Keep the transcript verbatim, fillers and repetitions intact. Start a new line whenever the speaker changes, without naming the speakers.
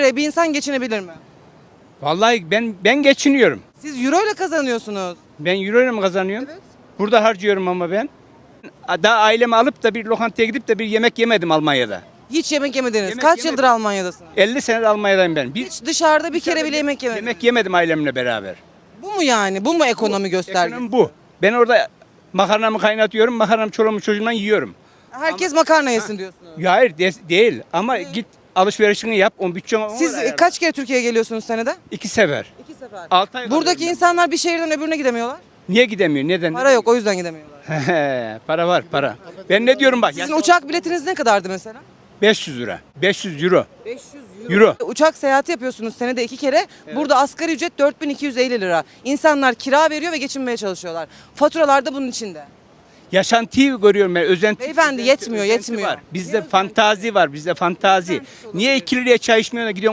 liraya bir insan geçinebilir mi?
Vallahi ben ben geçiniyorum.
Siz euro ile kazanıyorsunuz.
Ben euro ile mi kazanıyorum?
Evet.
Burada harcıyorum ama ben. Daha ailemi alıp da bir lokantaya gidip de bir yemek yemedim Almanya'da.
Hiç yemek yemediniz.
Yemek
Kaç
yemedim.
yıldır Almanya'dasınız?
elli senedir Almanya'dayım ben. Bir,
Hiç dışarıda bir kere bile yemek yemediniz.
yemek yemedim ailemle beraber.
Bu mu yani? Bu mu ekonomi göstergesi?
Ekonomi bu. Ben orada makarnamı kaynatıyorum, makarnamı çoluğumu çocuğumdan yiyorum.
Herkes makarna yesin diyorsunuz.
Ya hayır de- değil ama git alışverişini yap, on bütçeni ona
Siz
ayarla.
kaç kere Türkiye'ye geliyorsunuz senede?
İki sefer.
İki sefer.
Altı ay
Buradaki
kalıyorum
insanlar bir şehirden öbürüne gidemiyorlar.
ben. Niye gidemiyor? Neden?
Para yok, o yüzden gidemiyorlar.
Para var, para. Ben ne diyorum bak?
Sizin
ya-
uçak biletiniz ne kadardı mesela?
beş yüz lira. beş yüz euro.
beş yüz
Euro.
Uçak seyahati yapıyorsunuz senede iki kere. Burada asgari ücret dört bin iki yüz elli lira. İnsanlar kira veriyor ve geçinmeye çalışıyorlar. Faturalar da bunun içinde.
Yaşantıyı görüyorum ben. Özenti.
Beyefendi,
özenti-
yetmiyor,
özenti
yetmiyor.
Var. Bizde fantazi var. Bizde fantazi. Niye iki liraya çay içmiyorsun da gidiyorsun